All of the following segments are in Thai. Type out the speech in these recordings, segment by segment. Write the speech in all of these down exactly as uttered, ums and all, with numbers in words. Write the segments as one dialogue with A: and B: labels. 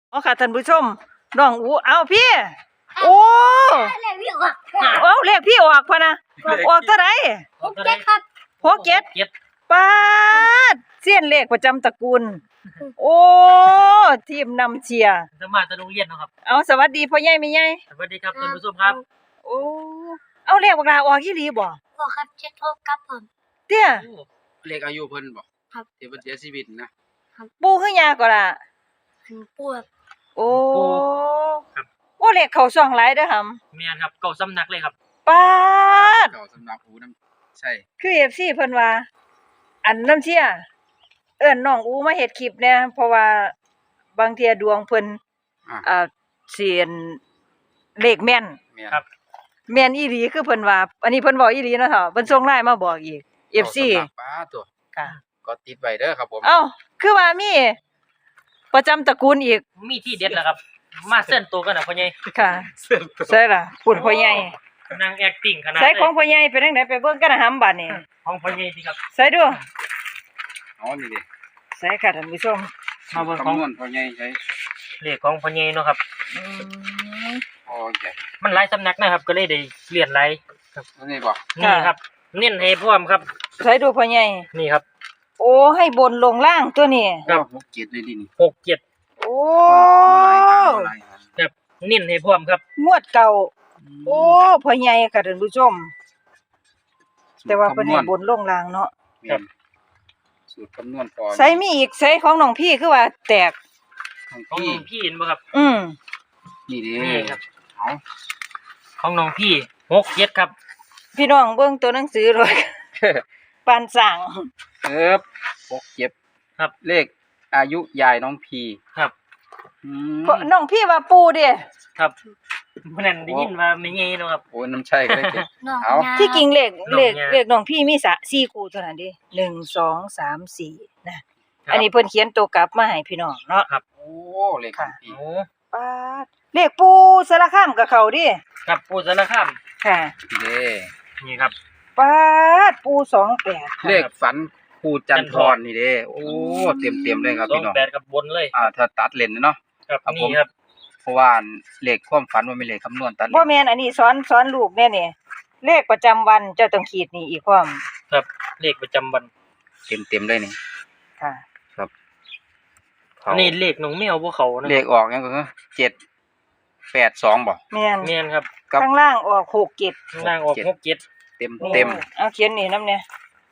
A: อ๋อค่ะท่านผู้ชมน้องอูเอาพี่โอ้
B: เลขพี่ออก
A: เอาเลขพี่ออกพะนะออกเท่าไหร่
B: หกเจ็ดครับ
A: หกเจ็ด
C: เจ็ด
A: ปาดเสี้ยนเลขประจำตระกูลโอ้ทีมนำเชียร์
C: จะมาจะโรงเรียนเนาะครับ
A: เอาสวัสดีพ่อใหญ่แม่ใหญ่
C: สวัสดีครับท่านผู้ชมครับ
A: โอ้เอาเลขบักลาออกอีหลีบ่
B: บอกครับเจ็ดหกครับผม
A: เตี้ย
D: เลขอายุเพิ่นบ่
B: ครับ
D: ที่เพิ่นเสียชีวิตนะ
A: ปูคือยาก็ล่ะ
B: หันปวด
A: โอ้
C: ครับ
A: โอ้เลขเข้าช่องหลายเด้อหำ
C: เมียนครับเก่าสำนักเลยครับ
A: ปาด
D: เก่าสำนักหูน้ำใช่
A: คือ เอฟ ซี เพิ่นว่า อันน้ำเชี่ยเอิ้นน้องอูมาเฮ็ดคลิปแหน่เพราะว่าบางเที่ยดวงเพิ่น
D: อ่ะ
A: อ่าเสียนเลขแม่น
D: แม่น
C: ครับ
A: แม่นอีหลีคือเพิ่นว่า อันนี้เพิ่นบอกอีหลีเนาะเฒ่าเพิ่นส่ง ไลน์ มาบอกอีก เอฟ ซี
D: เก่าสำนักป้าตัว
A: ค่ะ
D: ก็ติดไว้เด้อครับผม
A: เอ้าคือว่ามีประจำตระกูลอีก
C: มีที่เด็ดแล้วครับ มาเส้นตัวกันนะพ่อใหญ่
A: ค่ะ
D: เสื้อตัว
A: ใช่ล่ะพูดพ่อใหญ่
C: นางแอคติ้งขนาด
A: ใส่
C: เลย
A: ของพ่อใหญ่เป็นจังไดไปเบิ่งกันนะหำบัดนี้
C: ของพ่อใหญ่สิครับ
A: ใส่ดู
D: อ๋อนี่ดิ
A: ใส่ค่ะท่านผู้ชม
C: มาเบิ่งของ
D: คำนวณพอใหญ่ใช้
C: เลขของพ่อใหญ่เนาะครับ
A: อืม
D: พอใหญ่
C: มันหลายสำนักนะครับ ก็เลยได้เรียนหลาย
D: แล้วนี่บ่
C: นี่ครับ เน้นให้พร้อมครับ
A: ใส่ดูพ่อใหญ่
C: นี่ครับ
A: โอ้ให้บนลงล่างตัวนี้
C: ครับ
D: หกเจ็ดเลยดินี่
C: หกเจ็ด
A: โอ้
D: บ่หลายหาง
C: ครับเน้นให้พร้อมครับ
A: งวดเก่า
D: บ่
A: โอ้พ่อใหญ่ค่ะท่านผู้ชม แต่ว่าเพิ่นให้บนลงล่างเนาะ
D: แม่นสูตรคำนวณพอ
A: ใส่มีอีกใส่ของน้องพี่คือว่าแตก
D: ของ
C: ของ
D: พี่
C: น้องพี่เห็นบ่ครับ
A: อืม
D: นี่ดิ
C: นี่ครับ
D: เอา
C: ของน้องพี่หกเจ็ดครับ
A: พี่น้องเบิ่งตัวหนังสือเลย ปานสั่ง
D: เอิบหกเจ็ด
C: ครับ
D: เลขอายุยายน้องพี
C: ครับ
D: อืม
A: เพราะน้องพี่ว่าปูเด้
C: ครับเมื่อนั้นได้ยินว่าไม่ใหญ่เนาะครับ
D: โอ้ยน้ำใช่ก็ได้เจ็ด
B: น้อง
D: เอา
B: ยา
A: ที่จริงเลข
C: น้อง
A: เลข
C: ยา
A: เลขน้องพี่มีสะสี่คู่เท่านั้นเด้หนึ่ง สอง สาม สี่นะ
C: ครับ
A: อันนี้เพิ่นเขียนตัวกลับมาให้พี่น้องเนาะ
D: โอ้เลขของพี่
C: โอ้
A: ปาดเลขปูสารคามกับเขาดิ
C: ครับปูสารคาม
A: ค่ะ
D: เด้
C: นี่ครับ
A: ปาดปูสองแปด
D: เลขฝันครูจันทรนี่เด้โอ้เต็มเต็มๆเลยครับ
C: สอ
D: พี่
C: ง
D: น้อง
C: แปดกับบนเลย
D: อ่าถ้าตัดเลนเนาะ
C: ครับ
D: ครับผม
C: นี่ครับ
D: เพราะว่าเลขความฝันมันเป็นเลขคำนวณตัดเล
A: บ่
D: น
A: แม่นอันนี้สอนสอนลูกแน่นี่เลขประจำวันเจ้าต้องขีดนี่อีกพร้อม
C: ครับเลขประจำวัน
D: เต็มเต็มๆเลยนี่
A: ค่ะ
D: เขา
C: อันนี้เลขน้องแมวพวกเขานะ
D: เลขออกยังก็คือเจ็ดแปดสองบ่
A: แม่น
C: แม่นครับ
D: ครับ
A: ข้างล่างออกหกเจ็ด
C: ข้างล่างออกหกเจ็ด
D: เต็ม
A: นี่
D: เต็ม
A: เอาเขียนนี่นำเนี่ย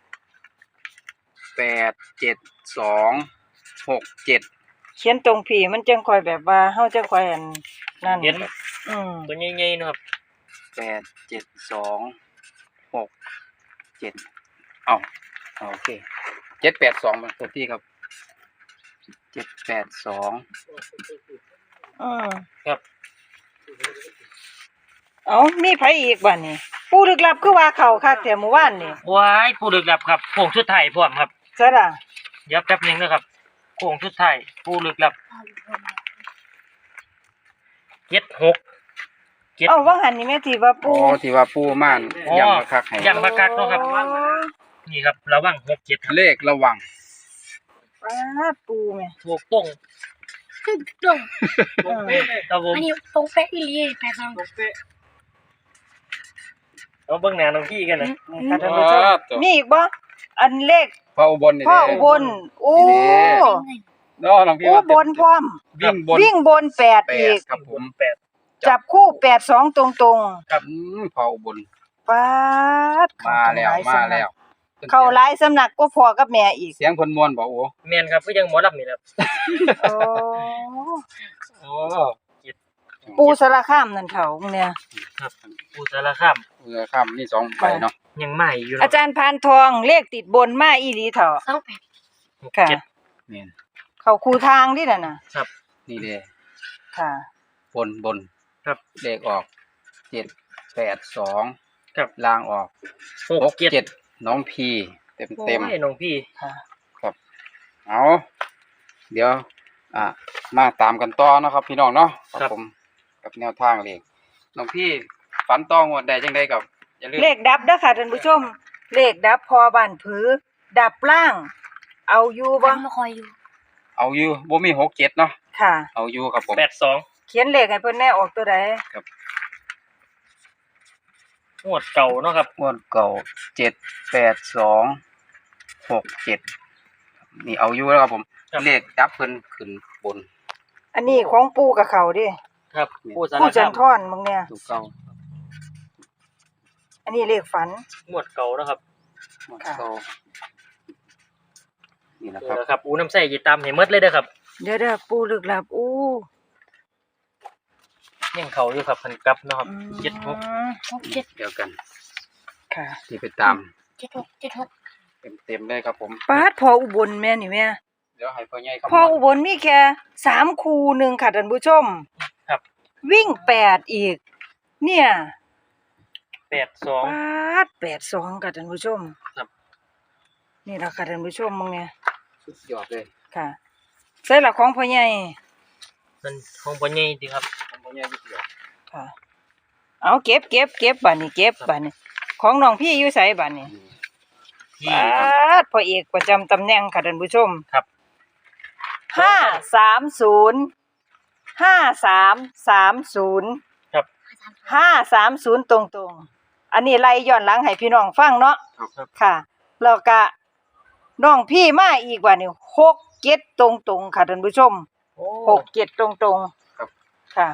D: แปดเจ็ดสองหกเจ็ด
A: เขียนตรงผีมันจังค่อยแบบว่าเฮาจังค่อยอันนั่น
C: เห็น
A: อืม
C: ตัวใหญ่ๆนะครับ
D: แปดเจ็ดสองหกเจ็ดเอ้าเอาโอเคเจ็ดแปดสองมาตัวที่ครับเจ็ดแปดสอง
A: อืม
C: ครับ
A: เอามีไผอีกบัดนี้ปูลึกลับคือว่าเข้าคักแต่เมื่อวานนี่
C: ว้ายผู้ลึกลับครับโค้งสุดท้ายพร้อมครับ
A: ซะล่ะ
C: เดี๋ยวแป๊บหนึงนะครับโค้งสุดท้ายผู้ลึกลับเจ็ดหกเจ็ด
A: เอ้าว่าหันนี่แม่ที่ว่า
D: อ๋
A: ปู
D: อที่ว่าปูม่าน
C: อ๋อ
D: ย้ำมาคักให้
C: ย้ำมาคักเนาะครับ นี่ครับระวังหกเจ็ดครับ
D: เลขระวัง
A: ป้าดปูแม่
C: ถูกต้อง
B: ตึ้งตรง
C: ครับผม
B: อันนี้ตรงเป๊ะอีหลีแปดสอง
C: เอาเบิ่งหน้าน้องพี่กันนะ
A: นี่ค่ะท่านผู้ชม
D: อ๋อตัว
A: มีอีกบ่อันเลข
D: พ่ออุบลนี่
A: พ่อ
D: เด้
A: อุบลโอ้
D: เนาะน้องพี่
A: อุ
D: ว่า
A: บลพร้อม
D: วิ่งบน
A: วิ่งบนแปด
D: แป
A: อี
D: ด
A: ก
D: ครับผม
C: แปด
A: จับคู่แปดสองตรง
D: ครับอืมพ่ออุบล
A: ๆป้าด
D: มาแล้วมาแล้ว
A: เข้าหลายสำนักก็พอกับแม่อีก
D: เสียงคนมวนบอกโอ้
C: แม่นครับก็ยังหมอลำนี่แหละครับ
A: โอ้
D: โอ้
A: ปูสารคามนั่นเขาเนี่ย
C: ครับผู้สารคาม
D: เออข้ามนี่สองใบเนาะ
C: ยังใหม่อยู่
A: อาจารย์พานทองเลขติดบนมาอีหลีเถาะ
B: สองแปด
A: ค่ะ
C: เจ็ด
D: นี่
A: เขาคูทางดิน่ะน่ะ
C: ครับ
D: นี่เด้
A: ค่ะ
D: บนบน
C: ครับ
D: เลขออกเจ็ดแปดสอง
C: ครับ
D: ล่างออก
C: หก
D: หก
C: เจ็ด
D: เจ็ดน้องพีเต็มเต็ม
C: โอ้ยน้องพี่
A: ค่ะ
D: เอาเดี๋ยว อ่ะมาตามกันต่อเนาะครับ พี่น้องเนาะครับผมกับแนวทางเลขน้องพี่ฝันต้องวดใดจังไดกับอย่าลืม
A: เลขดับเด้อค่ะท่านผู้ชม เลขดับพอบ้านผือ ดับล่าง เอาอยู่บ่
B: วันมาคอยอยู่
D: เอาอยู่บ่มีหกเจ็ดเนาะ
A: ค่ะ
D: เอาอยู่ครับผม
C: แปดสอง
A: เขียนเลขให้เพิ่นแน่ออกตัวใด
C: งวดเก่าเนาะครับ
D: งวดเก่าเจ็ดแปดสองหกเจ็ดนี่เอาอยู่แล้วครับผม
C: ครับ
D: เลขจับเพิ่นขึ้นบน
A: อันนี้ของปู่กับเขาเดิ
C: ครับผู้สาร
A: ปู่จั
C: คาน ม
A: ทรมึงเนี่ย
D: ถูกเก่า
A: อันนี้เลขฝัน
C: งวดเก่าเนาะครับ
D: งวดเก่านี่นะค
C: นี่
D: รับ
C: แหละครับอูน้ำใส่ยีตามให้หมดเลยเด้อครับ
A: เดี๋ยวเด้อปู่ลึกลับอู้
C: ยังเขาอยู่ครับพันกลับเนาะครับ
A: อืม
C: เจ็ดหก
B: หกเจ็ด
D: เดียวกัน
A: ค่ะ
D: ที่ไปตาม
B: เจ็ดหกเจ็ดหก
D: เต็มๆเลยครับผม
A: ปาดพออุบลแม่นี่แม่
D: เดี๋ยวให้พ่อใหญ่ครับ
A: พออุบลมีแค่สามคูหนึ่งค่ะท่านผู้ชม
C: ครับ
A: วิ่งแปดอีก เนี่ย
C: แปดสอง
A: ปาดแปดสองค่ะท่านผู้ชม
C: ครับ
A: นี่ล่ะค่ะท่านผู้ชมมึงเนี่ย
D: สุดยอดเลย
A: ค่ะใส่ละของพ่อใหญ่
C: มันของพ่อใหญ่ดีครับ
D: พ่อใหญ่สุดยอด
A: ค่ะ เอาเก็บเก็บเก็บบัดนี้เก็บบัดนี้ ของน้องพี่อยู่ไสบัดนี้
C: ที่
A: ปาดพ่อเอกประจำตำแหน่งค่ะท่านผู้ชม
C: ครับ
A: ห้าสามศูนย์ห้าสามสามศูนย์
C: ครับ
A: ห้าสามศูนย์ตรงๆ อันนี้ไล่ย้อนหลังให้พี่น้องฟังเนาะ
C: ครับ
A: ค่ะแล้วก็น้องพี่มาอีกว่านี่หกเจ็ดตรงๆค่ะท่านผู้ชม
C: โอ้
A: หกเจ็ดตรงๆค่ะ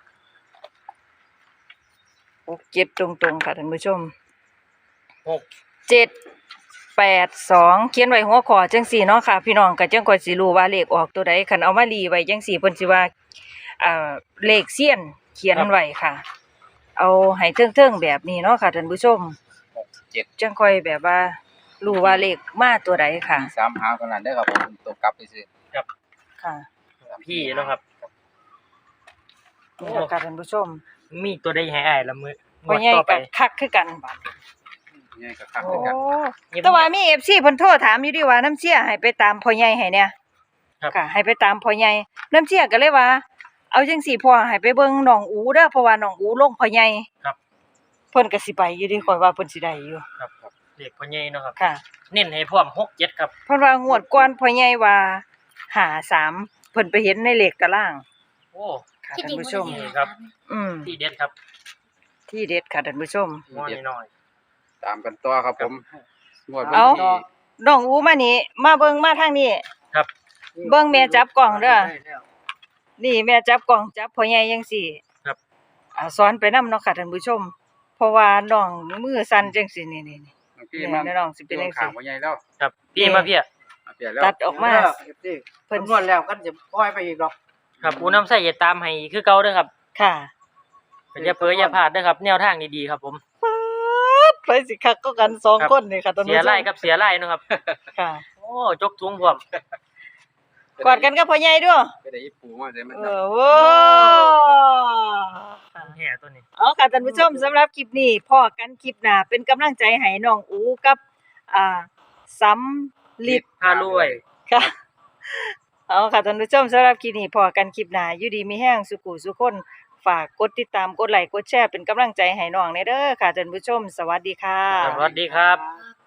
A: หกเจ็ดตรงๆค่ะท่านผู้ชม
C: หก
A: เจ็ดแปดสองเขียนไว้หัวข้อจังสี่เนาะค่ะ พี่น้องก็จังค่อยสิรู้ว่าเลขออกตัวใดคันเอามารีไว้จังสี่เพิ่นสิว่าอ่าเลขเซียนเขียนไว้ค่ะ เอาให้เทิงๆแบบนี้เนาะค่ะท่านผู้ชม
D: หกเจ็ด
A: จังค่อยแบบว่ารู้ว่าเลขมาตัวใดค่ะ
D: มีสามหางเท่านั้นเด้อครับผมตัวกลับไปซื้อ
A: ค่ะ
C: พี่เนาะครับ
A: นี่แหละค่ะท่านผู้ชม
C: มีตัวใดให้อ้ายละมือ
A: พ่อใหญ่
C: ต่อไป
A: ก็คักคือกันบัด
D: ใหญ่กับข้าง
A: โอ้
D: ด้วยกัน
A: แต่ว่ามี เอฟ ซี เพิ่นโทรถามอยู่ดิว่าน้ำเชี่ยให้ไปตามพ่อใหญ่ให้เนี่ย
C: ครับ
A: ค่ะ ให้ไปตามพ่อใหญ่น้ำเชี่ยก็เลยว่า เอาจังซี่พ่อให้ไปเบิ่งน้องอูเด้อเพราะว่าน้องอูลงพ่อใหญ่
C: ครับ
A: เพิ่นก็สิไปอยู่ดิข่อยว่าเพิ่นสิได้อยู่
C: ครับครับเลขพ่อใหญ่เนาะครับ
A: ค่ะ
C: เน้นให้พร้อมหกเจ็ดครับ
A: เพิ่นว่างวดก่อนพ่อใหญ่ว่าห้าสามเพิ่นไปเห็นในเลขตาราง
C: โอ้
A: ค่ะ
B: ที่
A: ท่า
B: จริ
A: น
B: ง
A: ผู้ชม
B: มัน
C: ครับ
A: อืม
C: ที่เด็ดครับ
A: ที่เด็ดค่ะท่านผู้ชม
C: ม้อนน้อย
D: ตามกันต่อครับผมงวดวัน
A: เอา
D: ที่
A: น้องอูมานี่มาเบิ่งมาทางนี้
C: ๆครับ
A: เบิ่งแม่จับกล่องเด้อ นี่แม่จับกล่องจับพ่อใหญ่จังซี่
C: ครับ
A: อ่าสอนไปนำเนาะค่ะท่านผู้ชม เพราะว่าน้องมือสั่นจังซี่นี่ๆ
D: น้องพี่
A: ๆ
D: มา
A: นี่น้องสิเป็นจัง
D: ข้า
A: ซี่
D: งพ่อใหญ่แล้ว
C: ครับพี่มาพี่อะ
D: เอาเปลี่ยนแล้ว
A: ตัดออกมา เพิ่
E: เพิ่
A: น
E: นนวดแล้วก็จะปล่อยไปอีกหรอก
C: ครับอูน้ำใส่อย่าตามให้คือเก่าเด้อครับ
A: ค่ะ
C: อย่าเผลออย่าพลาดเด้อครับ แนวทางดีๆครับผม
A: ไปสิคักก็กันสอง
C: ครับ
A: คนนี่ค่ะท่าน
C: เสี
A: ผู้
C: ย
A: ชม
C: ไล่กับเสียไล่เนาะครับ
A: ค่ะ
C: โอ้จกทุงพร้อม
A: กอดกันกับพ่อใหญ่ด้วย
D: ไปได้อีปูมาได้มัน
A: เออโว้
C: แห่ตัวนี้
A: เอาค่ะท่านผู้ชมสำหรับคลิปนี้พอกันคลิปหน้าเป็นกำลังใจให้น้องอูกับอ่าสำลิด
C: พารวย
A: ค่ะ เอาค่ะท่านผู้ชมสำหรับคลิปนี้พอกันคลิปหน้าอยู่ดีมีแห้งสุขุสุขคนฝากกดติดตามกดไลค์กดแชร์เป็นกำลังใจให้น้องในเด้อค่ะท่านผู้ชม สวัสดีค่ะ
C: สวัสดีครับ
B: ครับ